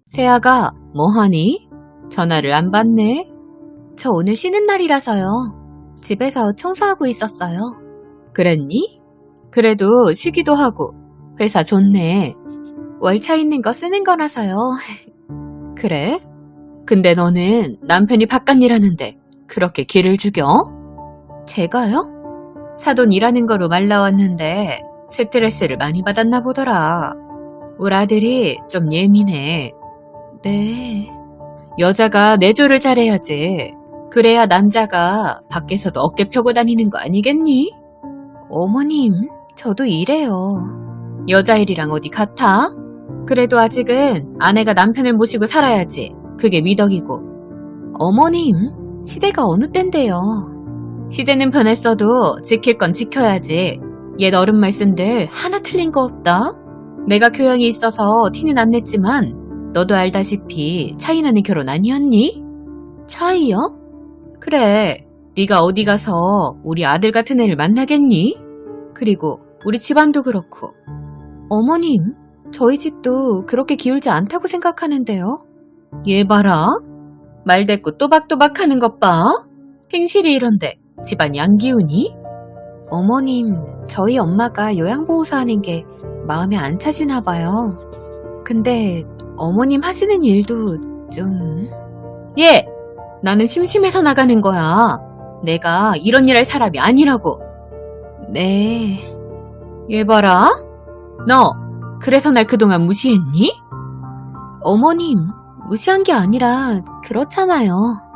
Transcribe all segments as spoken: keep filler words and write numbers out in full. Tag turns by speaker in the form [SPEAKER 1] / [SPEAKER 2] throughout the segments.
[SPEAKER 1] 세아가 뭐하니? 전화를 안 받네? 저 오늘 쉬는 날이라서요. 집에서 청소하고 있었어요. 그랬니? 그래도 쉬기도 하고 회사 좋네. 월차 있는 거 쓰는 거라서요. 그래? 근데 너는 남편이 바깥 일하는데 그렇게 기를 죽여? 제가요? 사돈 일하는 거로 말 나왔는데 스트레스를 많이 받았나 보더라. 우리 아들이 좀 예민해. 네. 여자가 내조를 잘해야지. 그래야 남자가 밖에서도 어깨 펴고 다니는 거 아니겠니? 어머님, 저도 이래요. 여자 일이랑 어디 같아? 그래도 아직은 아내가 남편을 모시고 살아야지. 그게 미덕이고. 어머님, 시대가 어느 땐데요. 시대는 변했어도 지킬 건 지켜야지. 옛 어른 말씀들 하나 틀린 거 없다. 내가 교양이 있어서 티는 안 냈지만 너도 알다시피 차이 나는 결혼 아니었니? 차이요? 그래, 네가 어디 가서 우리 아들 같은 애를 만나겠니? 그리고 우리 집안도 그렇고. 어머님, 저희 집도 그렇게 기울지 않다고 생각하는데요. 얘 봐라. 말대꾸 또박또박 하는 것 봐. 행실이 이런데 집안이 안 기우니? 어머님, 저희 엄마가 요양보호사 하는 게 마음에 안 차시나 봐요. 근데 어머님 하시는 일도 좀... 예! 나는 심심해서 나가는 거야. 내가 이런 일 할 사람이 아니라고. 네... 얘 봐라. 너 그래서 날 그동안 무시했니? 어머님, 무시한 게 아니라 그렇잖아요.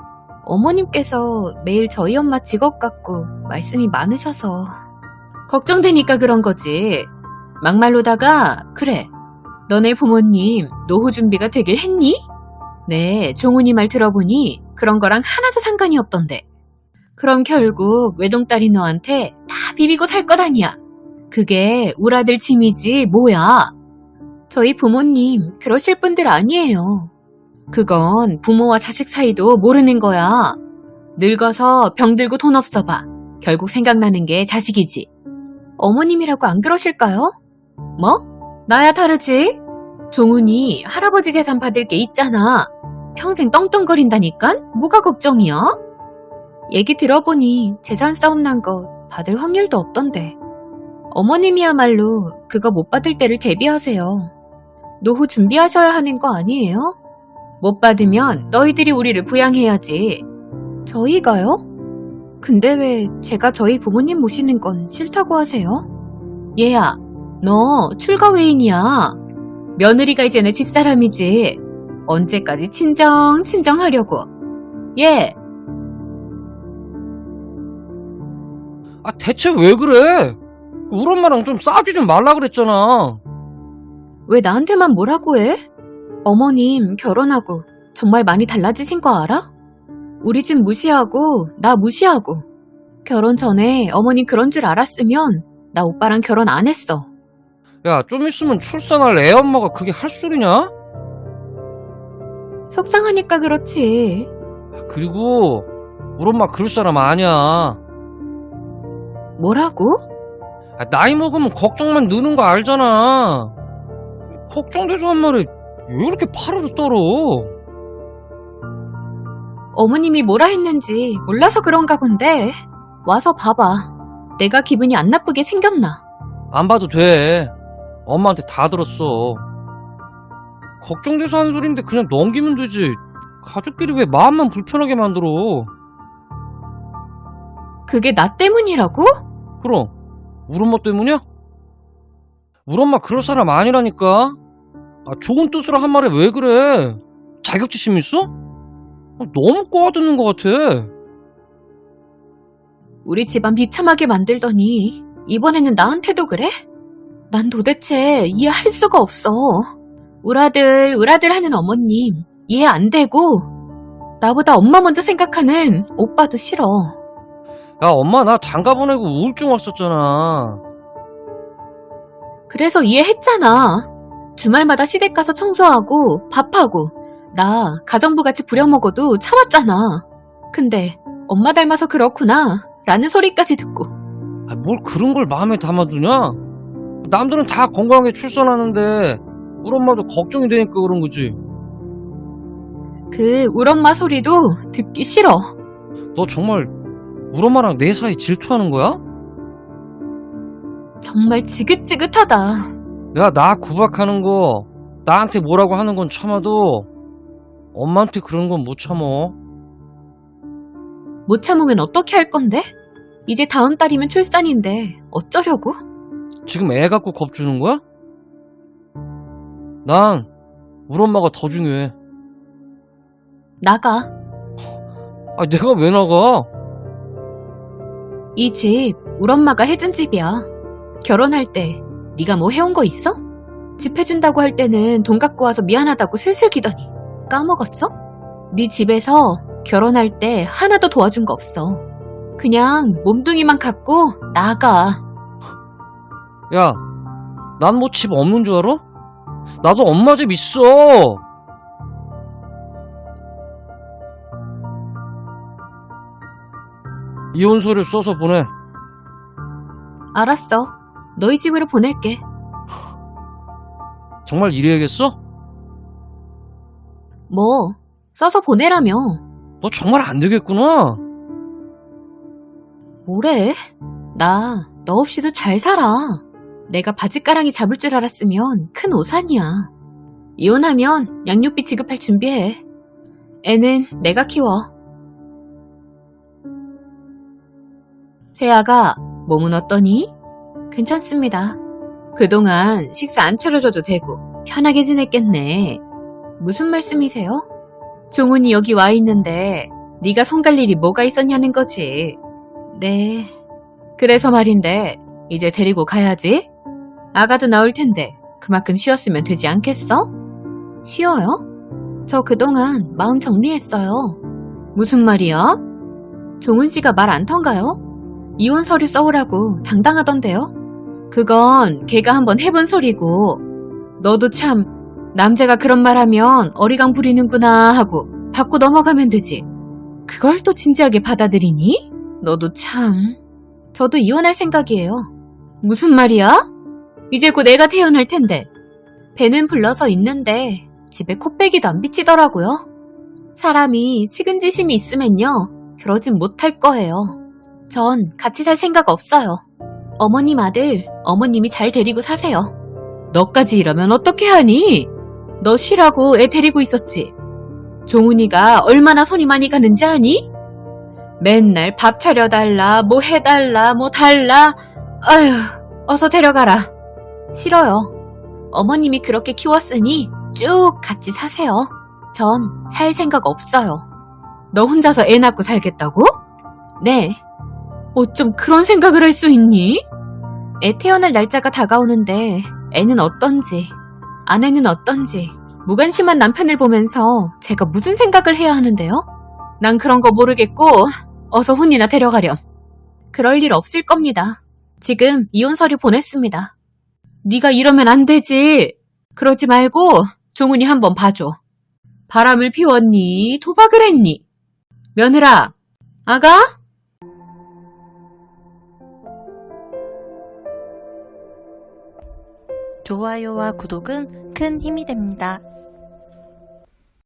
[SPEAKER 1] 어머님께서 매일 저희 엄마 직업 갖고 말씀이 많으셔서 걱정되니까 그런 거지. 막말로다가 그래, 너네 부모님 노후 준비가 되길 했니? 네, 종훈이 말 들어보니 그런 거랑 하나도 상관이 없던데. 그럼 결국 외동딸이 너한테 다 비비고 살 것 아니야. 그게 우리 아들 짐이지 뭐야. 저희 부모님 그러실 분들 아니에요. 그건 부모와 자식 사이도 모르는 거야. 늙어서 병들고 돈 없어 봐. 결국 생각나는 게 자식이지. 어머님이라고 안 그러실까요? 뭐? 나야 다르지. 종훈이 할아버지 재산 받을 게 있잖아. 평생 떵떵거린다니깐? 뭐가 걱정이야? 얘기 들어보니 재산 싸움 난 거 받을 확률도 없던데. 어머님이야말로 그거 못 받을 때를 대비하세요. 노후 준비하셔야 하는 거 아니에요? 못 받으면 너희들이 우리를 부양해야지. 저희가요? 근데 왜 제가 저희 부모님 모시는 건 싫다고 하세요? 얘야, 너 출가 외인이야. 며느리가 이제 내 집사람이지. 언제까지 친정 친정 하려고. 얘.
[SPEAKER 2] 아, 대체 왜 그래? 우리 엄마랑 좀 싸우지 좀 말라 그랬잖아.
[SPEAKER 1] 왜 나한테만 뭐라고 해? 어머님 결혼하고 정말 많이 달라지신 거 알아? 우리 집 무시하고 나 무시하고. 결혼 전에 어머님 그런 줄 알았으면 나 오빠랑 결혼 안 했어.
[SPEAKER 2] 야, 좀 있으면 출산할 애 엄마가 그게 할 소리냐?
[SPEAKER 1] 속상하니까 그렇지.
[SPEAKER 2] 그리고 우리 엄마 그럴 사람 아니야.
[SPEAKER 1] 뭐라고?
[SPEAKER 2] 아, 나이 먹으면 걱정만 느는 거 알잖아. 걱정돼서 한 말에 왜 이렇게 파르르 떨어?
[SPEAKER 1] 어머님이 뭐라 했는지 몰라서 그런가 본데. 와서 봐봐. 내가 기분이 안 나쁘게 생겼나?
[SPEAKER 2] 안 봐도 돼. 엄마한테 다 들었어. 걱정돼서 하는 소린데 그냥 넘기면 되지. 가족끼리 왜 마음만 불편하게 만들어?
[SPEAKER 1] 그게 나 때문이라고?
[SPEAKER 2] 그럼 우리 엄마 때문이야? 우리 엄마 그럴 사람 아니라니까. 아, 좋은 뜻으로 한 말에 왜 그래? 자격지심 있어? 아, 너무 꼬아드는 것 같아.
[SPEAKER 1] 우리 집안 비참하게 만들더니 이번에는 나한테도 그래? 난 도대체 이해할 수가 없어. 우라들 우라들 하는 어머님 이해 안 되고, 나보다 엄마 먼저 생각하는 오빠도 싫어.
[SPEAKER 2] 야, 엄마 나 장가 보내고 우울증 왔었잖아.
[SPEAKER 1] 그래서 이해했잖아. 주말마다 시댁 가서 청소하고 밥하고 나 가정부 같이 부려먹어도 참았잖아. 근데 엄마 닮아서 그렇구나 라는 소리까지 듣고.
[SPEAKER 2] 아, 뭘 그런 걸 마음에 담아두냐? 남들은 다 건강하게 출산하는데 우리 엄마도 걱정이 되니까 그런 거지.
[SPEAKER 1] 그 울엄마 소리도 듣기 싫어.
[SPEAKER 2] 너 정말 우리 엄마랑 내 사이 질투하는 거야?
[SPEAKER 1] 정말 지긋지긋하다.
[SPEAKER 2] 야, 나 구박하는 거, 나한테 뭐라고 하는 건 참아도 엄마한테 그런 건 못 참어.
[SPEAKER 1] 못 참으면 어떻게 할 건데? 이제 다음 달이면 출산인데 어쩌려고?
[SPEAKER 2] 지금 애 갖고 겁주는 거야? 난 우리 엄마가 더 중요해.
[SPEAKER 1] 나가.
[SPEAKER 2] 아, 내가 왜 나가?
[SPEAKER 1] 이 집 우리 엄마가 해준 집이야. 결혼할 때 네가 뭐 해온 거 있어? 집 해준다고 할 때는 돈 갖고 와서 미안하다고 슬슬 기더니 까먹었어? 네 집에서 결혼할 때 하나도 도와준 거 없어. 그냥 몸뚱이만 갖고 나가.
[SPEAKER 2] 야, 난 뭐 집 없는 줄 알아? 나도 엄마 집 있어. 이혼서를 써서 보내.
[SPEAKER 1] 알았어. 너희 집으로 보낼게.
[SPEAKER 2] 정말 이래야겠어?
[SPEAKER 1] 뭐 써서 보내라며.
[SPEAKER 2] 너 정말 안 되겠구나.
[SPEAKER 1] 뭐래? 나 너 없이도 잘 살아. 내가 바지가랑이 잡을 줄 알았으면 큰 오산이야. 이혼하면 양육비 지급할 준비해. 애는 내가 키워. 세아가 몸은 어떠니? 괜찮습니다. 그동안 식사 안 차려줘도 되고 편하게 지냈겠네. 무슨 말씀이세요? 종훈이 여기 와 있는데 네가 손 갈 일이 뭐가 있었냐는 거지. 네. 그래서 말인데 이제 데리고 가야지. 아가도 나올 텐데 그만큼 쉬었으면 되지 않겠어? 쉬어요? 저 그동안 마음 정리했어요. 무슨 말이야? 종훈 씨가 말 안 턴가요? 이혼 서류 써오라고 당당하던데요? 그건 걔가 한번 해본 소리고 너도 참 남자가 그런 말 하면 어리광 부리는구나 하고 받고 넘어가면 되지. 그걸 또 진지하게 받아들이니? 너도 참. 저도 이혼할 생각이에요. 무슨 말이야? 이제 곧 애가 태어날 텐데. 배는 불러서 있는데 집에 코빼기도 안 비치더라고요. 사람이 측은지심이 있으면요. 그러진 못할 거예요. 전 같이 살 생각 없어요. 어머님 아들, 어머님이 잘 데리고 사세요. 너까지 이러면 어떻게 하니? 너 쉬라고 애 데리고 있었지. 종훈이가 얼마나 손이 많이 가는지 아니? 맨날 밥 차려달라, 뭐 해달라, 뭐 달라. 아휴, 어서 데려가라. 싫어요. 어머님이 그렇게 키웠으니 쭉 같이 사세요. 전 살 생각 없어요. 너 혼자서 애 낳고 살겠다고? 네. 어쩜 그런 생각을 할 수 있니? 애 태어날 날짜가 다가오는데 애는 어떤지, 아내는 어떤지 무관심한 남편을 보면서 제가 무슨 생각을 해야 하는데요? 난 그런 거 모르겠고 어서 훈이나 데려가렴. 그럴 일 없을 겁니다. 지금 이혼 서류 보냈습니다. 네가 이러면 안 되지. 그러지 말고 종훈이 한번 봐줘. 바람을 피웠니? 도박을 했니? 며느라, 아가?
[SPEAKER 3] 좋아요와 구독은 큰 힘이 됩니다.